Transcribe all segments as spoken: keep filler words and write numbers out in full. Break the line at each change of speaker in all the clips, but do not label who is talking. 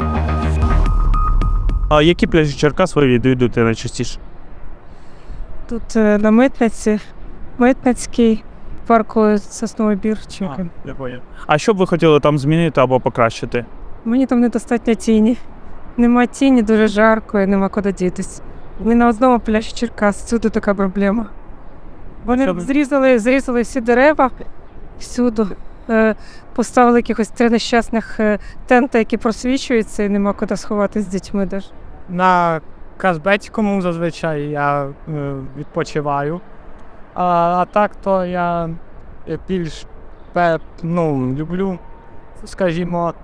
А які пляжі Черкас ви відвідуєте найчастіше?
Тут е, на Митниці, Митницький, парку Сосновий Бір. чи як він.
Я поняв. А що б ви хотіли там змінити або покращити?
Мені там недостатньо тіні. Нема тіні, дуже жарко і нема куди дітись. Ми на одному пляжі Черкас, всюди така проблема. Вони
Що ви-
зрізали, зрізали всі дерева, всюди. Е, Поставили якихось три нещасних е, тента, які просвічуються, і нема куди сховатися з дітьми теж.
На Казбецькому зазвичай я е, відпочиваю. А, а так то я більш пе- ну, люблю, скажімо,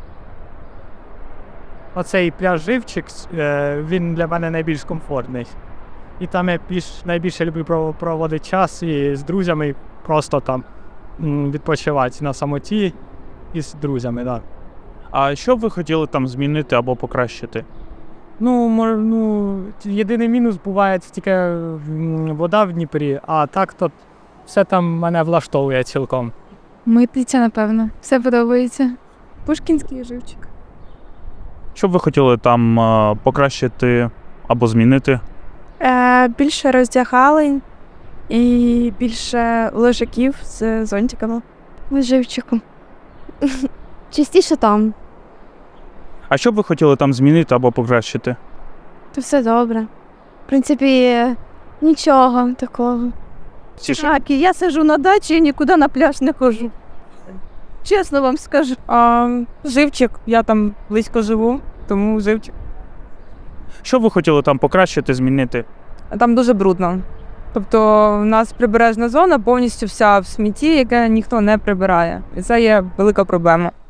оцей пляж Живчик, е, він для мене найбільш комфортний. І там я більш, найбільше люблю пров- проводити час і з друзями просто там м, відпочивати на самоті і з друзями, так. Да.
А що б ви хотіли там змінити або покращити?
Ну, мор, ну, єдиний мінус буває тільки м, вода в Дніпрі, а так то все там мене влаштовує цілком.
Митниця, напевно. Все подобається. Пушкінський живчик.
Що б ви хотіли там е, покращити або змінити?
Е, більше роздягалень і більше лежаків з зонтиками.
Живчиком. Частіше там.
А що б ви хотіли там змінити або покращити?
То все добре. В принципі, нічого такого.
Так, і я сиджу на дачі і нікуди на пляж не ходжу. Чесно вам скажу.
А, Живчик, я там близько живу, тому живчик.
Що б ви хотіли там покращити, змінити?
Там дуже брудно. Тобто у нас прибережна зона повністю вся в смітті, яке ніхто не прибирає. І це є велика проблема.